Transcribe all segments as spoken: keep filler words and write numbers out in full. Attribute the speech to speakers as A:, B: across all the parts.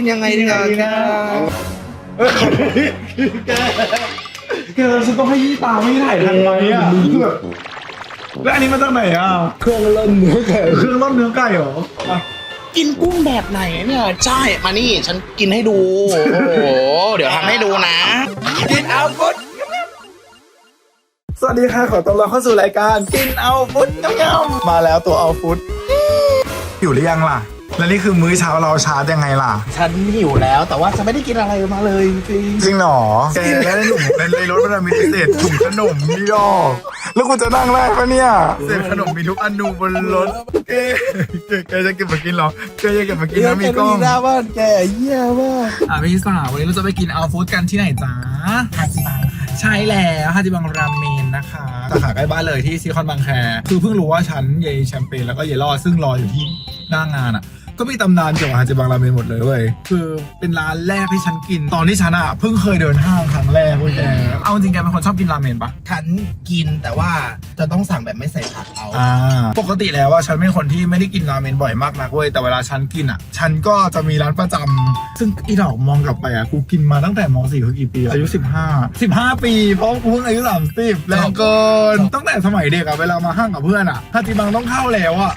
A: นยังไงดีกันแกแกฉันต้องให้ยี่ตาไม่ถ่ายทันไหมอ่ะคือแบบแล้วอันนี้มาจากไหนอ่ะเครื่องร่อนเนื้อไก่เครื่องร่อนเนื้อไก่เหรอกินกุ้งแบบไหนเนี่ยใช่มานี่ฉันกินให้ดูโอ้โหเดี๋ยวทำให้ดูนะกินเอาฟุตสวัสดีค่ะขอต้อนรับเข้าสู่รายการกินเอาฟุตยำๆมาแล้วตัวเอาฟุตอยู่หรือยังล่ะแล้วนี่คือมื้อเช้าเราชาร์จยังไงล่ะฉันหิวแล้วแต่ว่าฉันไม่ได้กินอะไรมาเลยจริงจริงหรอแกแล้วในถุงในรถมันมีเศษถุงขนมนี่ดอกแล้วกูจะนั่งได้ปะเนี่ยเศษขนมมีทุกอนูบนรถแกแกจะเก็บมากินหรอแกจะเก็บมากินนะมีกล้องแกว่าแกเยี่ยมว่ะอ่ะพี่สาววันนี้เราจะไปกินเอาฟู้ดกันที่ไหนจ๊ะฮาจิบังใช่แล้วฮาจิบังราเมนนะคะสาขาใกล้บ้านเลยที่ซิคอนบางแคคือเพิ่งรู้ว่าฉันเยแชมเปญแล้วก็เยลอซึ่งรออยู่ที่หน้างานอ่ะก็มีตำนานเกี่ยวกับฮาจิบังราเมนหมดเลยเว้ยคือเป็นร้านแรกที่ฉันกินตอนที่ฉันอ่ะเพิ่งเคยเดินห้างครั้งแรกเว้ยแกเอาจริงแกเป็นคนชอบกินราเมนปะฉันกินแต่ว่าจะต้องสั่งแบบไม่ใส่ผักเอาอ่าปกติแล้วว่าฉันเป็นคนที่ไม่ได้กินราเมนบ่อยมากนักเว้ยแต่เวลาฉันกินอ่ะฉันก็จะมีร้านประจำซึ่งอีดอกมองกลับไปอ่ะกูกินมาตั้งแต่ม.สี่คือกี่ปีอายุสิบห้า สิบห้าปีเพราะกูเพิ่งอายุสามสิบแรงเกินตั้งแต่สมัยเด็กอ่ะเวลามาห้างกับเพื่อนอ่ะฮาจิบังต้องเข้าแล้วอ่ะ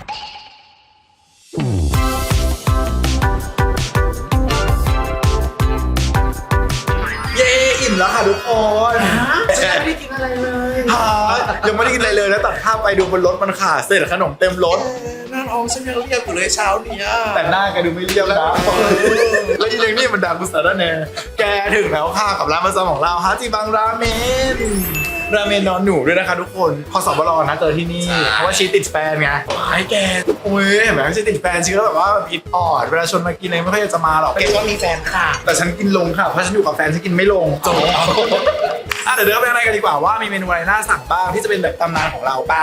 A: อิ่มแล้วค่ะทุกคนฉันไม่ได้กินอะไรเลยฮะยังไม่ได้กินอะไรเลยแล้วตัดภาพไปดูบนรถมันขาดเศษขนมเต็มรถหน้าท้องฉันยังเรียบอยู่เลยเช้านี้แต่หน้าแกดูไม่เรียบแล้วแล้วอีเรื่องนี้มันดังกุศลแน่แกถึงแล้วค่ะกับร้านประจำของเราฮาจิบังราเมนราเมนนอนหนูด้วยนะคะทุกคนพอสอบรอนะเจอที่นี่เพราะว่าชีติดแฟนไงไอ้แกโอ้ยเห็นไหมชีติดแฟนชีก็แบบว่าพิษอ่อนเวลาชวนมากินอะไรไม่ค่อยจะมาหรอกแกก็มีแฟนค่ะแต่ฉันกินลงค่ะเพราะฉันอยู่กับแฟนฉันกินไม่ลงจบอ่ะเดี๋ยวเดินไปอะไรกันดีกว่าว่ามีเมนูอะไรน่าสั่งบ้างที่จะเป็นแบบตำนานของเราป่ะ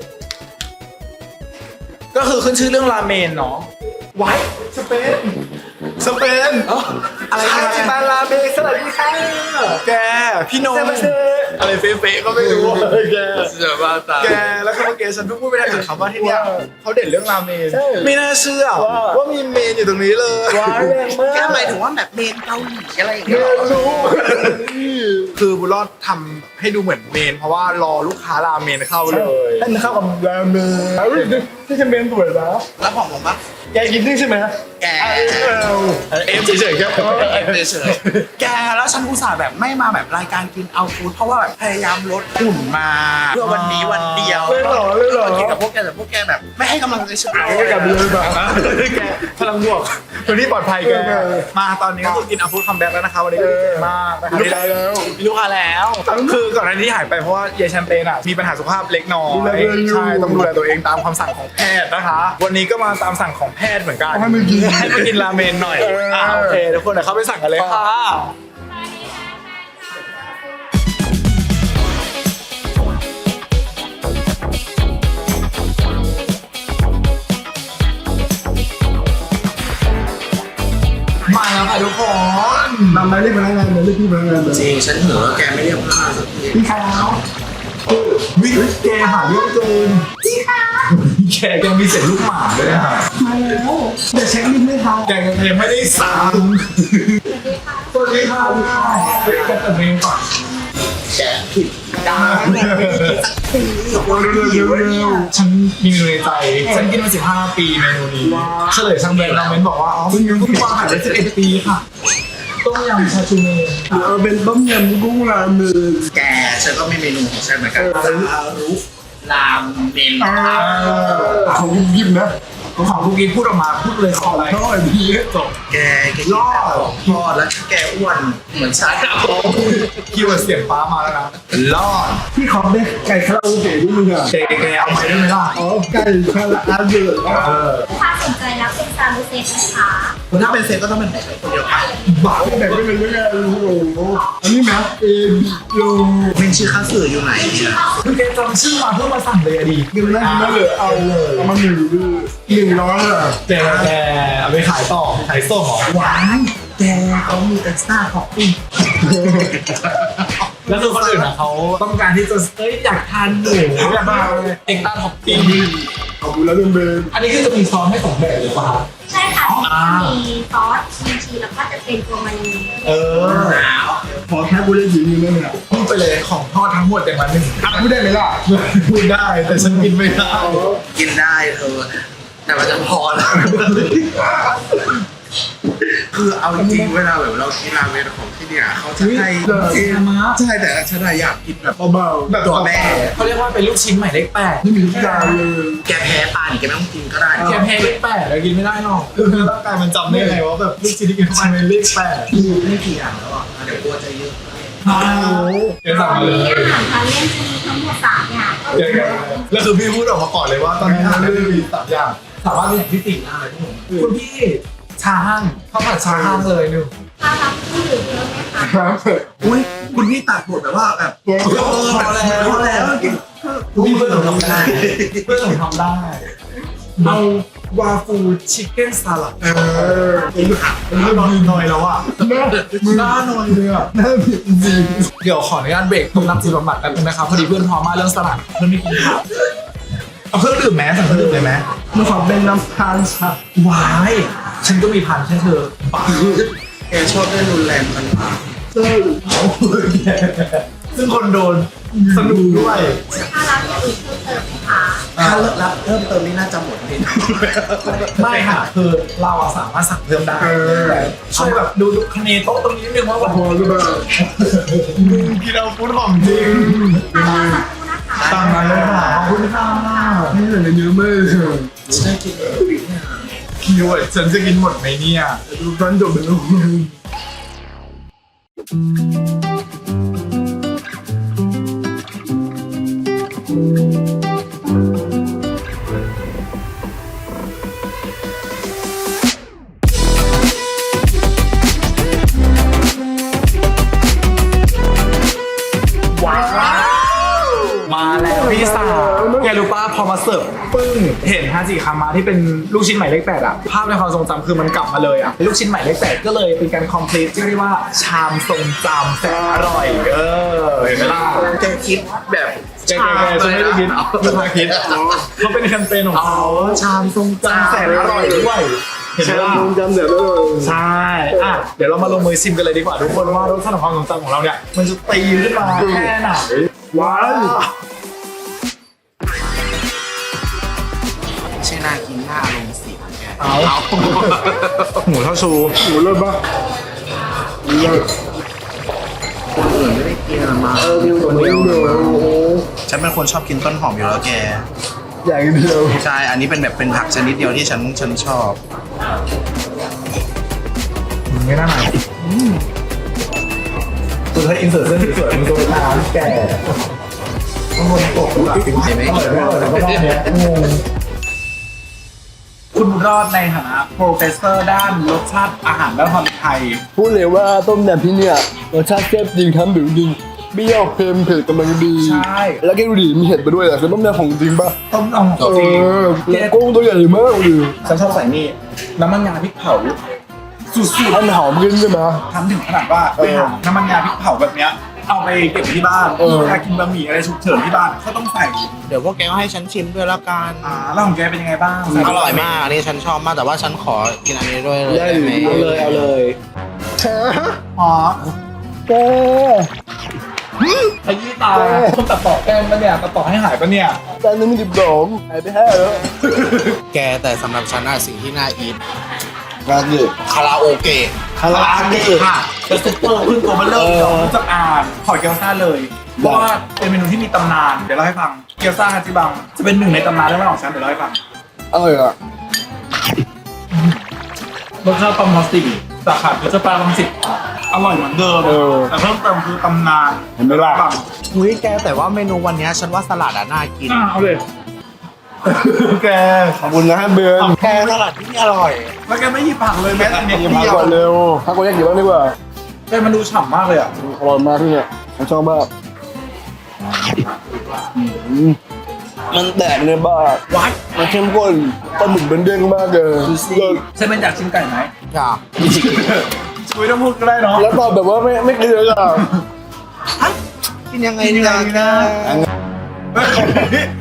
A: ก็คือขึ้นชื่อเรื่องราเมนเนาะไว้สเปนสเปนอะไรฮาจิบังราเมนสวัสดีค่ะแกพี่นงอะไรเฟ้ๆก็ไม่รู้เลยแกแกแล้วก็เมื่อกี้ฉันเพิ่งพูดไปได้กับคำว่าที่เนี่ยเขาเด่นเรื่องราเมนไม่น่าเชื่อว่ามีเมนอยู่ตรงนี้เลยว้าวแรงมากแกหมายถึงว่าแบบเมนเกาหลีอะไรอย่างเงี้ยรู้คือบุญรอดทำให้ดูเหมือนเมนเพราะว่ารอลูกค้าราเมนเข้าเลยให้เข้ากับราเมนที่จะเมนสวยแล้วแล้วของผมปะแกกินนี่ใช่ไหมแกเอฟเฉยๆแกเอฟเฉยๆแกแล้วฉันอุตส่าห์แบบไม่มาแบบรายการกินเอาฟู้ดเพราะว่าแบบพยายามลดหุ่นมาเพื่อวันนี้วันเดียวเลยหรอเลยหรอกินกับพวกแกแต่พวกแกแบบไม่ให้กำลังใจฉันเลยกับเลยแบบแกพลังบวกตัวนี้ปลอดภัยแกมาตอนนี้ก็คือกินเอาฟู้ดคัมแบ็กแล้วนะคะวันนี้มากนะคะลูกค้าแล้วลูกค้าแล้วคือก่อนหน้านี้หายไปเพราะว่าเยแชมเปญอ่ะมีปัญหาสุขภาพเล็กน้อยใช่ต้องดูแลตัวเองตามคำสั่งของแพทย์นะคะวันนี้ก็มาตามสั่งของแพทย์เหมือนกันให้มากินให้มากินราเมนหน่อยอ่าโอเคทุกคนเดี๋ยวเข้าไปสั่งกันเลยค่ะมาแล้วค่ะทุกคนนำไปเรียกพนักงานเลยเรียกพี่พนักงานเลยจริงฉันเหนื่อยแล้วแกไม่เรียกพนักงานสักทีพี่ขาววิแกหาเรื่องเกินพี่ขาวแกยังมีเศษลูกหมาด้วยนะมาแล้วเดี๋ยวเช็คลิสต์ไม่ทันแกยังไม่ได้สั่งสวัสดีค่ะสวัสดีค่ะแกตัดเองก่อนแกผิดดังสักทีเร็วๆฉันมีเมนูในใจฉันกินมาสิบห้าปีเมนูนี้เฉลยทางแบรนด์ราเมนบอกว่าอ๋อเพิ่งเพิ่งวางขายได้สิบเอ็ดปีค่ะต้มยำชาชูเมนเออเป็นต้มยำกุ้งราเมนแกฉันก็มีเมนูของฉันเหมือนกันซารุรามเมนของคุณยิมนะของของคุณกินพูดออกมาพูดเลยขออะไรก็อะไรดีจบแกแกรอดรอดแล้วแกอ้วนเหมือนฉันครับผมคีย์เวิร์ดเสียงฟ้ามาแล้วนะรอดพี่ขอบเนี่ยไก่คาราโอเกะด้วยมึงอะแกแกเอาไปได้ไหมล่ะอ๋อไก่คาราโอเกะ
B: ถ้าสนใจรับเป็นซาลูเซตนะคะ
A: ถ้าเป็นเซตก็ต้องเป็นไหนคนเดียวกันบ้าไม่แบ่งไม่เป็นยังไงโอ้โหอันนี้แม็กเอ็มโยเป็นชื่อค้าสื่ออยู่ไหนเนี่ยคือแกจำชื่อมาเพื่อมาสั่งเลยอะดีกินได้กินได้เลยเอาเลยเอามาหนึ่งดื้อหนึ่งร้อยอะแกแกเอาไปขายต่อขายส่งหรอหวานแกเขามีเอ็กซ์ตร้าท็อปปิ้งแล้วคือคนอื่นอ่ะเขาต้องการที่จะเอ้ยอยากทานหมูอยากมาเอ็กซ์ตร้าท็อปปิ้งขอบคุณแล้วเดินเบนอันนี้คือจะมีซอสให้สองแบบเลยป่ะ
B: ใช่ค่ะมีซอสชีสแล้วก็จะเป็นตัวมันนี
A: เออพอแค่พูดได้ยินนี่เนี่ยพูดไปเลยของทอดทั้งหมดอย่างละหนึ่งอ่ะพูดได้ไหมล่ะพูดได้แต่ฉันกินไม่ได้
C: กินได้เธอแต่มันจะพอแล้วคือเอาจริงๆเวลาแบบเรากินราเมนของที่เนี่ยเขาจะให้ใช่แต่ฉันอะอยากกินแบบ
A: เบาๆแบบ
C: ตัวแม่
D: เขาเรียกว่าเป็นลูกชิ้นหมายเลขแปด
A: ไม่มีทุกอย่างเลย
C: แกแพ้ปลานี่แกไม่ต้องกินก็ได้
D: แค่แพ้เลขแปดแล้วกินไม่ได้หรอก
A: คือร่างกายมันจำได้ไงว่าแบบลูกชิ้นที่กินเข้าไปเป็นเลขแปด
C: ไม่กี่อย่างแล้วอ่ะเดี๋ยวกลัวจะเยอะ
A: อ้าวเดี๋ยวสั่งมาเลย
B: อาหารทานเล่นจะมีทั้งหมดสามอย่างก็
A: เดี๋ยวแล้วคือพี่พูดออกมาก่อนเลยว่าตอนนี้เราเรื่องมีสามอย่าง
D: สามารถเป็นอย่างที่สี่ได้ทุกคนคุณพี่ชาห้างข้าวผัดชาห้างเลยหนึ่ง
B: ถ้ารับผู้หรือเพิ่มไหมคะ
A: ครับ
C: อุ้ยคุณนี่ตัดบทแบบว่าแบบ
A: โอ้โห
C: พอแล้วพอแล้วกิน
D: พี่เพื่อนผมทำได้เพื่อนผมทำได้เอาวาฟูชิคเก้นสลัด
A: เออไอ้หักไอ้เรื่องนอนหน่อยแล้วอ่ะหน้าหน้าหน่อยเลยอ่ะหน้าผิดจริง
D: เดี๋ยวขออนุญาตเบรกตรงนักจิตบำบัดแป๊บนึงนะครับพอดีเพื่อนพร้อมมากเรื่องสลัดเพื่อนไม่กินผัก
A: เอาเครื่องดื่มแม้สั่งเครื่องดื่มเลยไหมมันขอเป็นน้ำตาลชัด
D: วายฉันก็มีพันแค่เธอปาก
C: แกชอบเล่นรุนแรงมัน
A: เต้ยซึ่งคนโดนสนุกด้วย
B: ถ้ารับอย่างอื่นเพิ่มเติมไหมคะ
C: ถ้ารับเพิ่มเติมนี่น่าจะหมดเลย
D: ไม่ค่ะคือเราอะสามารถสั่งเพิ่มได้แต่ช่วยแบบดูดูคะแนนโต๊ะตรงนี้นิดนึงว่าแบบ
A: พอหรือเปล่ากินเอาฟุตของจริง
B: ทานรอสักครู่นะคะ
A: ตามนั้นเลยค่ะขอบคุณค่ะนี่เหลือเยอะมากเลย
C: ฉันกินเนี่ย
A: คีย์เวิร์ดฉันจะกินหมดไหมเนี่ยดูตอนจบไปแล้ว
D: มาแล้วพี่สาวแกรู้ป่ะพอมาเสิร์ฟปึ้งเห็นฮาจิคามาที่เป็นลูกชิ้นหมายเลขแปดอะภาพในความทรงจำคือมันกลับมาเลยอะลูกชิ้นหมายเลขแปดก็เลยเป็นการคอมพลีทที่เรียกว่าชามทรงจำแสนอร่อยเออเห็นไหมล่ะ
C: แกคิดแบบ
D: แกแกแกฉันไม่ได้คิดลูกค้าคิดเขาเป็นแคมเปญของเขาชามทรงจำแสนอร่อยด้วยเห็นไหมล่ะ
A: จำเดี๋ยวแล้ว
D: ใช่อ่ะเดี๋ยวเรามาลงมือชิมกันเลยดีกว่าทุกคนว่ารสชาติของความทรงจำของเราเนี่ยมันจะตีขึ้นมาแค่ไหน
A: ว้าว
C: ใช่น่ากินหน้าลงสีแก
D: เอาหมูเท่าชู
A: หมูเลิศปะเลิศ
C: คนอื่นไม่ได้กินอะมา
A: เออมีคนเดียวโอ้โห
C: ฉันเป็นคนชอบกินต้นหอมอยู่แล้วแก
A: อย่างเดียว
C: ใช่ อันนี้เป็นแบบเป็นผักชนิดเดียวที่ฉันฉันชอบ
D: ไม่น่าหนาวคือถ้าอินเสิร์ตเส้นสวยๆมันตัวน้ำแก่ต้องบนตกหลัก
C: เห็นไหม
D: อร่อยมากเลยก็รอบเนี้ยงงคุณรอดในฐานะโปรเฟสเซอร์ด้านรสชาติอาหารและความไทย
E: พูดเลยว่าต้มยำที่เนี่ยรสชาติแซ่บจริงครับบิวจริงเปรี้ยวเค็มเผ็ดกำลังดี
D: ใช่
E: แล้วแกดูดิมีเห็ดไปด้วยอ่ะคือต้มยำของจริงป่ะ
D: ต้มยำของ
E: เอ
D: จริง
E: อแล้วกุ้งตัวใหญ่มากเลย
D: ฉันชอบใส่นี่น้ำมันงาพริกเผาสุด
E: อันหอมขึ้นใช่ไหม
D: ๆทำถึงขนาดว่าไปหาน้ำมันงาพริกเผาแบบเนี้ยเอาไปเก็บที่บ้าน
E: เออ
D: เวลากินบะหมี่อะไรฉุกเฉินที่บ้านก็ต้องใส่
C: เดี๋ยวพวกแกก็ให้ฉันชิมด้วยแล้วกัน
D: อ่าแล้วของแกเป็นยังไงบ้าง
C: อร่อยมากอันนี้ฉันชอบมากแต่ว่าฉันขอกินอันนี้ด้วยเลยได้ไหม
E: เอาเลยเอาเลย
D: อ๋อ
E: แก
D: ขยี้ตาคนตัดต่อแก้มปะเนี่ยตัดต่อให้หายปะเนี่ย
E: จานนึงมีดิบสองหายไปห้าแล้ว
C: แกแต่สำหรับฉันอะสิ่งที่น่าอีท
E: งานดิ
C: คาราโอเกะ
D: คาราเกะค่ะจะซุปเปอร์ขึ้นตัวมันเริ่มจากรู้จักอ่านขอเกี๊ยวซ่าเลยเพราะว่าเป็นเมนูที่มีตำนานเดี๋ยวเล่าให้ฟังเกี๊ยวซ่าฮาจิบังจะเป็นหนึ่งในตำนานเรื่องราวของฉันเดี๋ยวเล่าให้ฟัง
E: อร่อยอ่ะ
D: รสชาติปลาหมึกสี่สาขาเกี๊ยวซ่าปลาหมึกสิบอร่อยเหมือนเดิมแต่เพิ่มเติมคือตำนาน
A: เห็นไหมล่ะ
D: บัง
C: อุ้ยแกแต่ว่าเมนูวันเนี้ยฉันว่าสลัดอะน่ากิน
D: อ่าเอาเลย
A: แก
E: ขอบคุณนะเบือน
C: แกสลัดที่นี่อร่อย
D: แล้วแกไม่หยิบผักเลยแม้แต่เม็ด
E: อย่าพัก
D: เดียว
E: ก่อนเร็วพักก่อนแยกกี่บ้างดีกว่า
D: แกมันดูฉ่ำมากเลยอ่ะ
E: อร่อยมากที่เนี่ยผมชอบมากอืมมันแตกเลยบ้า
D: วัด
E: มันเข้มข้นปลาหมึกเป็นเด้งมากเลยเลิศ
D: ฉันเป็นอยากชิมไก่ไหม
C: จ้ะ
D: ช่วยต้องพูดก็ได้เนาะ
E: แล้วตอบแบบว่าไม่ไม่กินเลยอ่ะ
C: กินยังไงเนี่ยแก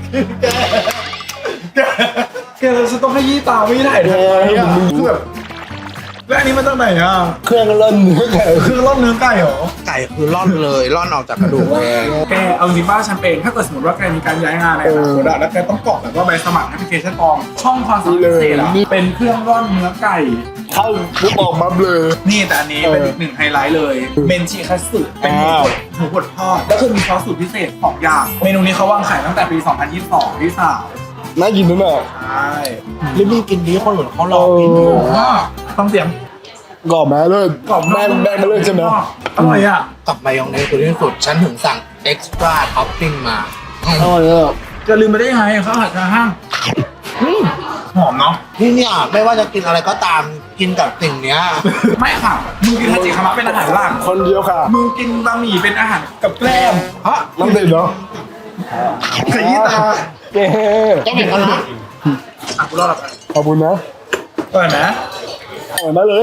D: แกแกเราจะต้องขยี้ตาไม่ได้ถ่ายทำไมอ่ะคือแบบ
A: แล้วอันนี้มาจากไหนอ่ะ
E: เครื่องร่อนเนื้อไก่
A: คือร่อนเนื้อไก่เหรอ
C: ไก่คือร่อนเลยร่อนออกจากกระดูกเลย
D: แกเอาจริงป้าฉันเป็นถ้าเกิดสมมติว่าแกมีการย้ายงานในอนาคตอะแล้วแกต้องกรอกแบบว่าใบสมัครแอปพลิเคชันปลอมช่องความสามารถพิเศษอะเป็นเครื่องร่อนเนื้อไก่
E: เข้าปุ๊บออกมาเลย
D: นี่แต่อันนี้เป็นอีกหนึ่งไฮไลท์เลยเบนชิคัตสึเป็นหมูบดหมูบดทอดแล้วคือมีซอสสูตรพิเศษสองอย่างเมนูนี้เขาวางขายตั้งแต่ปี สองพันยี่สิบสองที่สาว
E: น่ากินนะเนี่ย
D: ใช่
C: รีบมีกินดีคนอื่นเขารอกินอยู่
D: ว่าต้องเสียง
E: กรอบไหมเลย
D: กรอบนอก
E: แม่แม่มาเลยใช่ไหม
D: อร่อยอ่ะ
C: กับมายองเนสคือที่สุดฉันถึงสั่งเอ็กซ์ตร้าท็อปปิ้งมา
E: อร่อยอ่ะ
D: จะลืมไปได้ไงข้าวผัดชาห้างหอมเนาะ
C: นี่เนี่ยไม่ว่าจะกินอะไรก็ตามกินกับสิ่งเนี้ย
D: ไม่ค่ะมึงกินทาจิคามะเป็นอาหารหลัก
E: คนเดียวค่ะ
D: มึงกินบะหมี่เป็นอาหารกับแกล้มฮะ
E: น้ำเด็ดเนาะ
A: ขยี้ตา
E: เจ๊
C: ก็เหมือนกันนะ
D: อ่ะกูรอดแล้วกัน
E: ขอบคุณนะ
D: ก่อนนะ
E: อร่อยมากเลย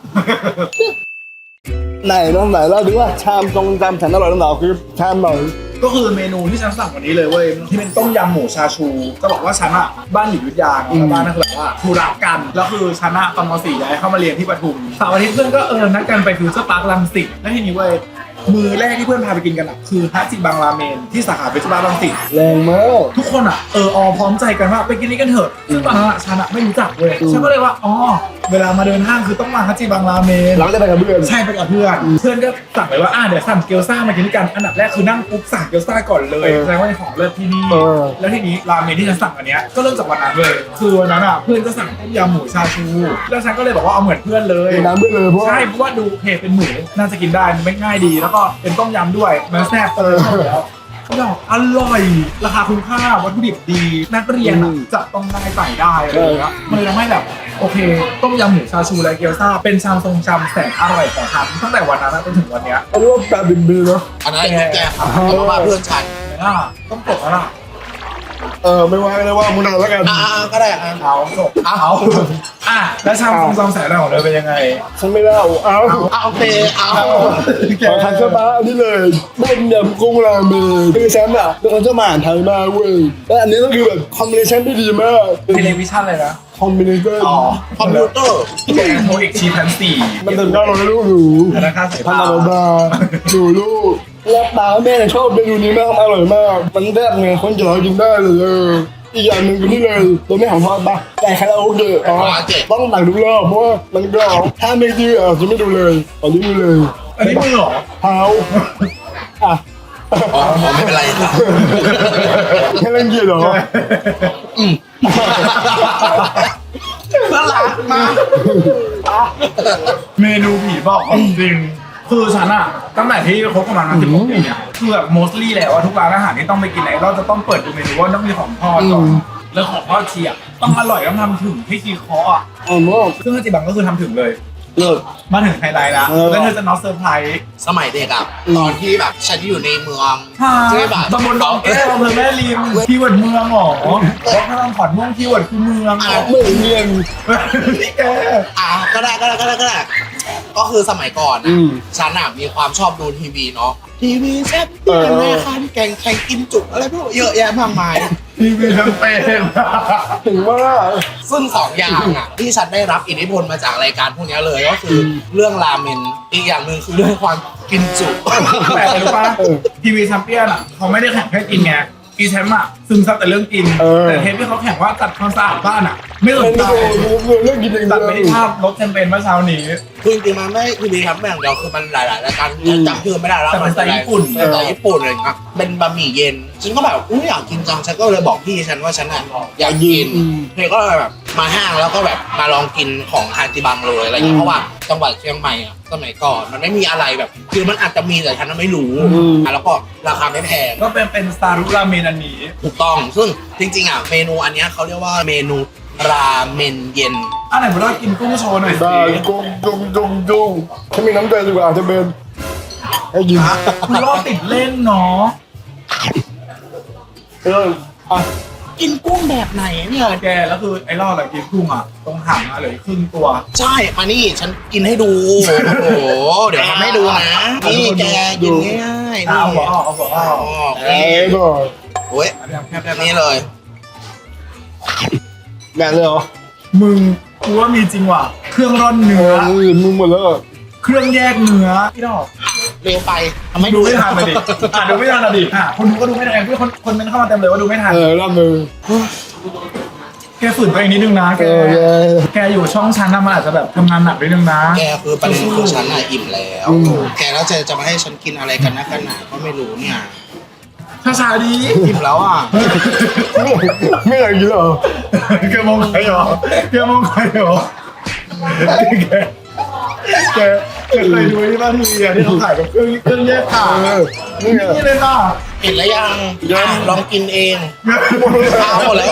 E: ไหนน้องไหนเล่าดูว่าชามตรงจำฉันอร่อยน้ำหนาวคือชามไหน
D: ก็คือเมนูที่ฉันสั่งวันนี้เลยเว้ยที่เป็นต้มยำหมูชาชูจะบอกว่าฉันอะบ้านอยู่อยุธยาเนอะแล้วบ้านนั่นคือแบบว่าธุระกันแล้วคือฉันอะตอนมสี่ย้ายเข้ามาเรียนที่ปทุมเสาร์อาทิตย์เพื่อนก็เออนัดกันไปฟิวเจอร์พาร์ครังสิตแล้วทีนี้เว้ยมือแรกที่เพื่อนพาไปกินกันอะคือฮาจิบังราเมนที่สาขาฟิวเจอร์พาร์ครังสิต
E: แรงมาก
D: ทุกคนอ่ะเออออพร้อมใจกันว่าไปกินนี้กันเถอะซึ่งตอนนั้นอะฉันอ่ะไม่รู้จักเว้ยฉันก็เลยว่าอ๋อเวลามาเดินห้างคือต้องมาฮัจิบังราเมน
E: หลังจะไปกับเพื่อน
D: ใช่ไปกับเพื่อนเพื่อนก็สั่งไปว่าอ่ะเดี๋ยวสั่งเกี๊ยวซ่ามากินด้วยกันอันดับแรกคือนั่งปุ๊บสั่งเกี๊ยวซ่าก่อนเลย
E: เออ
D: แสดงว่าเป็นของเลิศที่นี่
E: เออ
D: แล้วทีนี้ราเมนที่ฉันสั่งอันเนี้ยก็เริ่มจากวันนั้นเลยคือวันนั้นอ่ะเพื่อนก็สั่งต้มยำหมูชาชูแล้วฉันก็เลยบอกว่าเอาเหมือนเพื่อนเลย
E: กินน้ำด้วยเลยเพราะว่า
D: ใช่เพราะว่าดูเพจเป็นหมูน่าจะกินได้มันไม่ง่ายดี แล้วก็เป็นต้มยำด้วยมันแซ่บเลยชอบอยู่แล้วดอกอร่อยราคาคุ้มค่าวัตถุดิบดีนักเรียนอะจะต้องได้ใส่ได้อะไรอย่างเงี้ยมันเลยทำให้แบบโอเคต้มยำหมูชาชูและเกี๊ยวซ่าเป็นชามทรงจำแสนอร่อยของฉันตั้งแต่วันนั้นจนถึงวันเนี้ย
E: อันนี้ว่าแปดบินบีเนาะ
C: อันนั้นไอ้แกครับแล้วก็มาเพื่อนฉัน
D: ไม่น่าต้องปลดแล้วล่ะ
E: เออไม่ว่าก็ได้ว่ามึงนานแล้วกัน
C: อ่าก็ได้อ่ะ
D: เอาจบเอาอ่ะแล้วชามทรงจำแสนอร่อยของเธอเป็นยังไง
E: ฉันไม่เล่าเอา
C: อ่ะโอเคเอา
E: ขอทันเสื้อผ้าอันนี้เลยต้มยำกุ้งราเมนคือฉันอ่ะเป็นคนชอบอาหารไทยมากเว้ยและอันนี้ก็คือแบบคอมบิเนชั่นที่ดีมาก
D: เทเลวิชั่นเลยนะ
E: คอมบิเนชั่น
D: อ๋อ
C: คอมพิวเตอร์
D: แกงโทเอกชีพันสี่
E: มันเป็นก้าวเราลูกหนู
D: ธนาคารสาย
E: พัน
D: พา
E: ธบาหนูลูกแล้วปลาแม่ชอบเมนูนี้มากอร่อยมาก มันแซ่บไงคนจะเรากินได้เลยเอออีกอย่างหนึ่งคือนี่เลยตัวไม่ของทอดปะแต่คาราโอเกะอ๋อต้องตักทุกรอบเพราะว่ามันก็ถ้าไม่ดีอ่ะจะไม่ดูเลยตอนนี้ดูเลย
D: อันนี้มือเหรอ
E: เท้าอ่ะ
C: อ๋อไม่เป็นไรครับ
E: แค่เล่นเกียร์เหรอ
C: น่ารักมาก
D: เมนูผีบอกของจริง คือฉันอะตั้งแต่ที่คบกันมาสิบกว่าปีเนี่ยคือแบบ mostly แล้วว่าทุกร้านอาหารที่ต้องไปกินไหนเราจะต้องเปิดดูเมนูว่าต้องมีของทอดก่อนแล้วของทอดเชียร์ต้องอร่อยต้องทำถึงที่คีเคาะอะ
E: อ๋อมาก
D: ซึ่งฮาจิบังก็คือทำถึงเลย
E: เลิศ
D: มาถึงไฮไลท์แล้ว
E: เออ
D: แล้วเธอจะน็อตเซอร์ไพรส์
C: สมัยเด็กอ่ะตอนที่แบบฉันอยู่ในเมือง
D: ค่ะ
C: ใช่ป่ะ
D: ตำบลดองแก้วอำเภอแม่ริมคีย์เวิร์ดเมืองเหรอเพราะถ้าต้องขอนม่วงคีย์เวิร์ดคือเมืองเหรอ
E: ไม่เรียน
D: พี่แก
C: อ่ะก็ได้ก็ได้ก็ได้ก็ได้ก็คือสมัยก่อน
E: อื
C: อ่ะ
E: ม
C: ฉันอ่ะมีความชอบดูทีวีเนาะทีวีแซ่บเตี้ยแม่คันแกงแข่งกินจุกอะไรพวกเยอะแยะมากมาย
D: ทีวีทั้งเป็น
E: ถึงว่า
C: ซึ่งสองอย่างอ่ะที่ฉันได้รับอิทธิพลมาจากรายการพวกนี้เลยก็คือเรื่องราเมนอีกอย่างหนึ่งคือเรื่องความกินจุ
D: แต่อะไรรู้ป่ะทีวีแชมเปี้ยนอ่ะเขาไม่ได้แข่งแค่กินไงอีแชมป์อ่ะซึมซับแต่เรื่องกิน แต่เทปที่เขาแข่งว่าตัดความสะอาดบ้านอ่ะ ไม่สน
E: เป็น
D: ใจ
E: เรื่องกินเอง
D: ตัดไปที่ภาพรถแชมเปญเมื่อเช้านี้
C: คือจริงๆมันไม่ทีวีครับแม่งเดียวคือมันหลายๆรายการฉันจำชื่อไม่ได้แล้ว
D: แต่เป็นสไตล์ญี่ปุ่น
C: เป็นสไตล์ญี่ปุ่นอะไรอย่างเงี้ยเป็นบะหมี่เย็นฉันก็แบบอุ้ยอยากกินจังฉันก็เลยบอกพี่ฉันว่าฉันอ่ะอยากกินเธอก็เลยแบบมาห้างแล้วก็แบบมาลองกินของฮาจิบังเลยอะไรอย่างเงี้ยเพราะว่าจังหวัดเชียงใหม่อ่ะสมัยก่อนมันไม่มีอะไรแบบ คือมันอาจจะมีแต่ฉันไม่รู้อ่ะแล้วก็ราคาไม่แพง
D: ก็เป็นเป็นซารุราเมนอันนี้
C: ถูกต้องซึ่งจริงๆอ่ะเมนูอันเนี้ยเขาเรียกว่าเมนูราเมนเย็น
D: อ่ะไหนมาลองกินกุ้งโชว์หน่อยสิ
E: ได้จุงจุงจุงจุงถ้ามีน้ำใจดีกว่าจะเป็นให้กิน
D: คุณรอบติดเล่นเนาะ
E: เอออ่ะ
C: กินกุ้งแบบไหนเนี่ย
D: แกแล้วคือไอ้รอบอะกินกุ้งอ่ะตรงหางอะเหลือครึ่งตัว
C: ใช่มานี่ฉันกินให้ดู โอ้โห เดี๋ยวทำให้ดูนะ นี่แกกินง่ายๆ
D: เอา
C: นี่
D: หัวออกเอาหัวออก
C: อ๋อ
E: เอ้ยก่อน
C: โอ้ย
D: อันนี้แคบ
C: แบบนี้เลย
E: งานเลยเหรอ
D: มึง
A: กูว่ามีจริงว่ะเครื่องร่อน
E: เอ
A: เนื้อ
E: อมึงหมดแล้ว
A: เครื่องแยกเนื้อพี่ดอก
C: เร็วไปทำไม่
A: ดูไม่ทันเลยดิอ่ะดูไม่ทันอ่ะดิอ่ะคนดูก็ดูไม่ทันเพื่อนคนคนมันเข้ามาเต็มเลยว่าดูไม่ทัน
E: เออรับมือ
A: แกฝืนตัวเองนิดนึงนะแก
E: เออแก
A: แกอยู่ช่องชั้นนะมันอาจจะแบบทำงานหนักนิดนึงนะ
C: แกคือประเด็นคือฉันอะอิ่มแล้ว แกแล้วจะจะมาให้ฉันกินอะไรกันนะกันหนาก็ไม่รู้เนี่ย
A: ช้าๆดี
C: อิ่มแล้วอ่ะ
E: ไม่อยากกินหรอ
A: แกมองใครเหรอแกมองใครเหรอแกแกแกเคยดูที่บ้านทีวีอะที่เขาขายกับเครื่องเครื่องแยกขา
E: เออนี่ไง
A: นี่เลยค่ะ
C: เห็นแล้วยัง
E: ยัง
C: อ่ะลองกินเองข้าวหมดแล้ว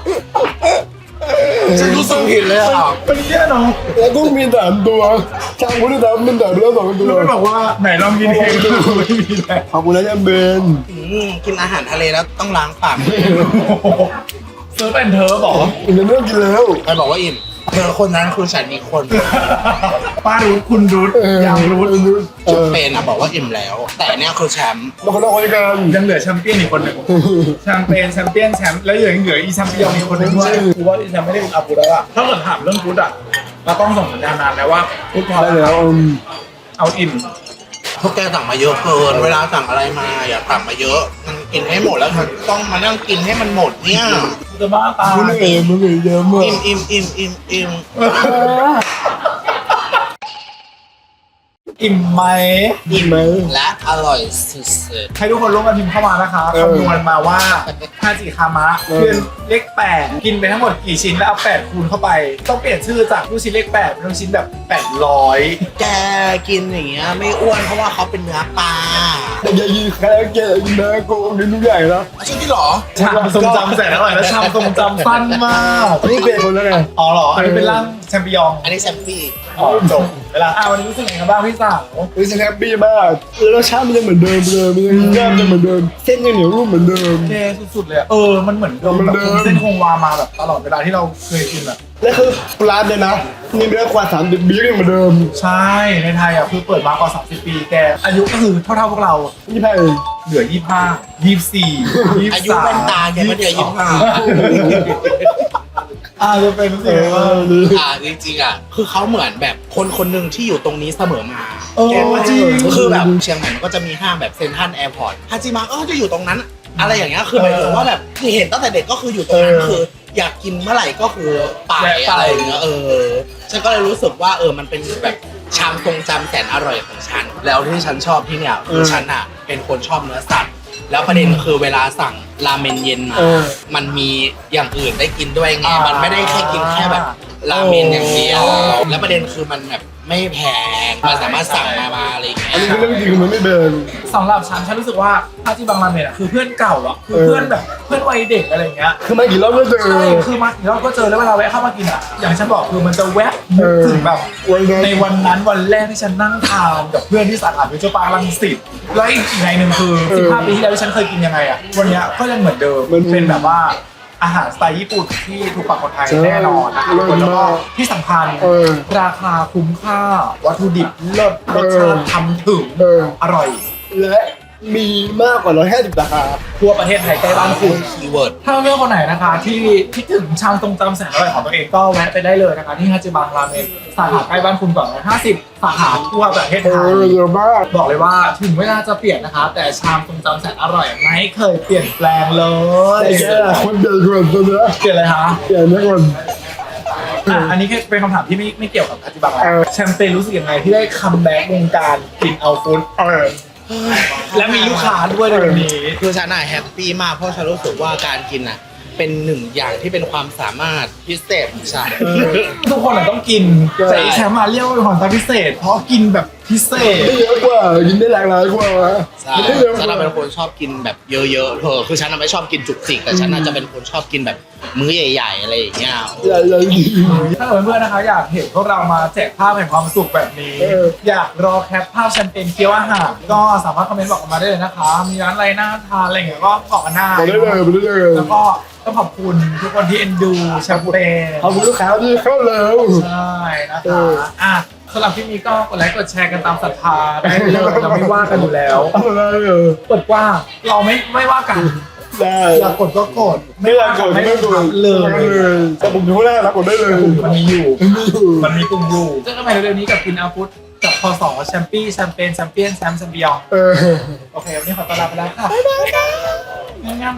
C: ฉันรู้สึกผิดเลยอ่ะ
A: เป็นแค่เนาะ
E: แล้วกุ้งมีสามตัวช่างคุณได้ทำเป็นสามตัวสองตัว
A: แล้วมันบอกว่าไหนลองกินเองดูไม่มีแล้ว
E: ขอบคุณนะยังเบน
C: อืมกินอาหารทะเลแล้วต้องล้างปาก
A: เซิร์ฟแอนเธอบอก
E: อีกเรื่องกินแล้ว
C: ใครบอกว่าอิ่มเธอคนนั้นคือฉันอีกคน
A: ป้ารู้คุณรู้
E: เออ
A: ยังรู้
E: เอ
C: จุด
E: อ
C: เป็นอ่ะบอกว่าอิ่มแล้ว แต่เนี่ยคือแชมป์
E: มาคนละคนกัน
A: ยังเหลือแชมเปี้ยนอีกคนหนึ่งแชมเปี้ยนแชมเปี้ยนแชมป์แล้วยังเหลืออีแชมเปี้ยนอีกคนหนึ่งด้วยคือว่าอีแชมป์ไม่ได้เป็นอาบุแล้วอะถ้าเกิดถามเรื่องฟุตอะเราต้องส่งสัญญาณนานแล้วว่าฟุตพอ
E: ได้
A: แล้ว
E: แล้วอืม
A: เอาอิ่ม
C: พวกแกสั่งมาเยอะเกิน เวลาสั่งอะไรมาอย่าสั่งมาเยอะ มันกินให้หมดแล้วมันต้องมานั่งกินให้มันหมดเนี่ย
A: จะบ้าตาย
E: คุณเอ๋มันเยอะมาก
C: อิ่มอิ่มอิ่มอิ่มอิ่ม
A: อิ่มไหม
C: อิ่มและอร่อยสุด
A: ให้ทุกคนร่วมกันพิมพ์เข้ามานะคะคำนวณมาว่าฮาจิคามะคือเลขแปดกินไปทั้งหมดกี่ชิ้นแล้วเอาแปดคูณเข้าไป ต้องเปลี่ยนชื่อจากลูกชิ้นเลขแปดเป็นลูกชิ้นแบบแปดร้อย
C: ๆแกกินอย่างเงี้ยไม่อ้วนเพราะว่าเขาเป็นเนื้อปลา
E: แต่อย่ายิงใครแกยิงนะกูกินทุกอย่างนะ
C: ใช่ที่หรอ
A: ชามทรงจำแสนอร่อยและชามทรงจำสั้นมาก
E: นี่เป็นคนแล้วไง
A: อ๋อเหรอ อันนี้เป็นร่างแชมปิยอง
C: อันนี้แซมฟี่
A: อ๋อจบเวลาอ่ะวันนี้รู้สึกยังไงบ้างพี่สาว
E: รู้สึกแฮปปี้มากแล้วรสชาติมันยังเหมือนเดิมเลยมันยังแซ่บยังเหมือนเดิมเส้นยังเหนียวนุ่มเหมือนเดิม
A: เท่สุดๆเลยอะเออ มันเหมือนเดิม
E: เหมือน
A: แบบ
E: เดิม
A: คงเส้นคงวามาแบบตลอดเวลาที่เราเคยกินอะ
E: และคือร้านเนี่ยนะมีเนื้อกว่าสามสิบปีก็ยังเหมือนเดิม
A: ใช่ ในไทยอ่ะคือเปิดมากว่าสามสิบปีแต่อายุก็คือเท่าๆพวกเรา
E: นี่ไพ่
A: เหลือยี่สิบห้า ยี่สิบสี่ ยี่สิบสาม
C: อายุเป็นตาแกไม่ได้อายุห้า
A: อ่าจะเป็นสิ่งว่า
C: อ่าจริงๆอ่ะคือเขาเหมือนแบบคนคนหนึ่งที่อยู่ตรงนี้เสมอมา
A: เออ
C: แกว่า
A: จริง
C: คือแบบเชียงใหม่มันก็จะมีห้างแบบเซ็นทรัลแอร์พอร์ตฮาจิมะก็จะอยู่ตรงนั้น อะไรอย่างเงี้ยคือหมายถึงว่าแบบเห็นตั้งแต่เด็กก็คืออยู่ตรงนั้นคือ อยากกินเมื่อไหร่ก็คือไปอะไรอย่างเงี้ยเออฉันก็เลยรู้สึกว่าเออมันเป็นแบบชามทรงจำแสนอร่อยของฉัน แล้วที่ฉันชอบที่เนี่ยคือฉันอ่ะเป็นคนชอบเนื้อสัตว์แล้วประเด็นคือเวลาสั่งราเมนเย็นมา มันมีอย่างอื่นได้กินด้วยไง มันไม่ได้แค่กินแค่แบบราเมนอย่างเดียว แล้วประเด็นคือมันแบบไม่แพง มันสามารถสั่งมามาอะไรอย่างเงี้
E: อัน
C: ย
E: นี้คือเรื่องจริงมันไม่เดิน
A: สำหรับฉันฉันรู้สึกว่าฮาจิบังราเมนอ่ะคือเพื่อนเก่าอ่ะคือเพื่อนแบบเพื่อนวัยเด็กอะไรอย่างเงี้ย
E: คือมากี่รอบก็เจอ
A: ใช่คือมาเราก็เจอแล้วเวลาแวะเข้ามากินอ่ะ อย่างฉันบอกคือมันจะแวะนึกถึงแบบ
E: วันนั้น
A: ในวันนั้นวันแรกที่ฉันนั่งทานกับเพื่อนที่สาขาฟิวเจอร์ปาร์ครังสิตแล้วอีกอีกในหนึ่งคือสิบห้าปีที่แล้วที่ฉันเคยกินยังไงอ่ะวันเนี้ยก็ยังเหมือนเดิมมันเป็นแบบว่าอาหารสไตล์ญี่ปุ่นที่ถูกปากคนไทยแน่นอนนะครับทุกคนแล้วก็ที่สำคัญราคาคุ้มค่าวัตถุดิบเลิศรสชาติทำถึงอร่อย
E: และมีมากกว่าร้อยห้าสิบสาขา
A: ทั่วประเทศไทยใกล้บ้านคุณ
C: คีย์เวิร์ด
A: ถ้าเพื่อนคนไหนนะคะที่คิดถึงชามทรงจำแสนอร่อยของตัวเองก็แวะไปได้เลยนะคะที่ฮาจิบังราเมนสาขาใกล้บ้านคุณก่อนนะห้าสิบสาขาทั่วประเทศ
E: เอ
A: ไทย
E: อเยอะมาก
A: บอกเลยว่าถึงเวลาจะเปลี่ยนนะคะ แต่ชามทรงจำแสนอร่อยไม่เคยเปลี่ยนแปลงเลย
E: แต่แค่คนเดินก่อนตัวเนี้ย
A: เปลี่ยนเลยคะ
E: เปลี่ยนไม่ก่อน
A: อ่ะอันนี้แค่เป็นคำถามที่ไม่ไม่เกี่ยวกับฮาจิบัง
E: เออ
A: แชมเปญรู้สึกยังไงที่ได้คัมแบ็กวงการกินเอาฟู้ด
E: เออ
A: และมีลูกค้าด้วยในวันนี้
C: คือฉันน่ะแฮปปี้มากเพราะฉันรู้สึกว่าการกินน่ะเป็นหนึ่งอย่างที่เป็นความสามารถพิเศษของฉัน
A: ทุกคนอะต้องกินแต่ไอ้แชมป์มาเรียกว่าเป็นของตาพิเศษ เพราะกินแบบพิเศษ
E: ได้เยอะกว่ากินได้หลากหลายกว่า
C: ใช่
E: กินได้เยอะก
C: ฉัน
E: ว่า
C: น่ะเป็นคนชอบกินแบบเยอะๆเธอคือฉันน่ะไม่ชอบกินจุกจิกแต่ฉันน่ะจะเป็นคนชอบกินแบบมื้อใหญ่ๆอะไรอย่างเงี้ย
E: ใหญ่ใหญ่จริง
A: ถ้าเกิดเพื่อนๆนะคะอยากเห็นพวกเรามาแจกภาพแห่งความสุขแบบนี้
E: เออ
A: อยากรอแคปภาพแชมเปญเกี๊ยวอาหารก็สามารถคอมเมนต์บอกกันมาได้เลยนะคะ มีร้านอะไรน่าทานอะไรอย่างเงี้ยก็บอกกันได้
E: มาได้เลยมาได้เลย
A: แล้วก็ต้องขอบคุณทุกคนที่เอ็นดูแชมเปญ
E: ขอบคุณลูกค้าที่เข้าเร็ว
A: ใช่นะ
E: เอ
A: คะ
E: อ
A: อ่ะสำหรับที่นี้ก็กดไลค์กดแชร์กันตามศรัทธาได้เลยเราไม่ว่ากันอยู่แล้ว
E: อะไรเออ
A: เปิดกว้างเราไม่ไม่ว่ากัน
E: ได้
A: อยากกดก็กด
E: ไม่อยากกดไม่กด
A: เลย
E: เลยแต่ผมอยู่ข้างหน้านะกดได้เลย
A: มันมีอยู่
E: ไม่อยู่
A: มันมีกลุ่มอยู่เจอกันใหม่เร็วๆนี้กับกินอาฟุตกับพศแชมปี้แชมเปญแชมเปี้ยนแชมป์แชมเปี้ยน
E: เออ
A: โอเควันนี้ขอตัวลาไปแล้วค่ะบ๊ายบายค่ะงั้น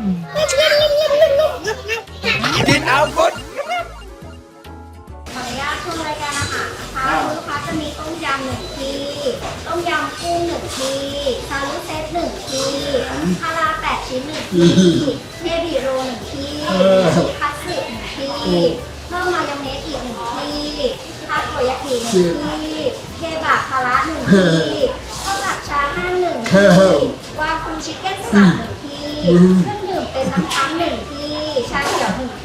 C: กินเอาฟุต
B: ขออนุญาตชมรายการอาหารนะคะลูกค้าจะมีต้มยำหนึ่งที่ต้มยำกุ้งหนึ่งที่ซาลุเซตหนึ่งที่คาราแปดชิ้นหนึ่งที่เนบิโรหนึ่งที่ชิคัตสึหนึ่งที่เพิ่มมายองเนสอีกหนึ่งที่ทาโกยากิหนึ่งที่เคบับคาระหนึ่งที่ข้าวผัดชาห้าหนึ่งที่วาคูชิคเก้นสามหนึ่งที่เครื่องดื่มเป็นน้ำพังหนึ่งที่ชาเขียวหนึ่ง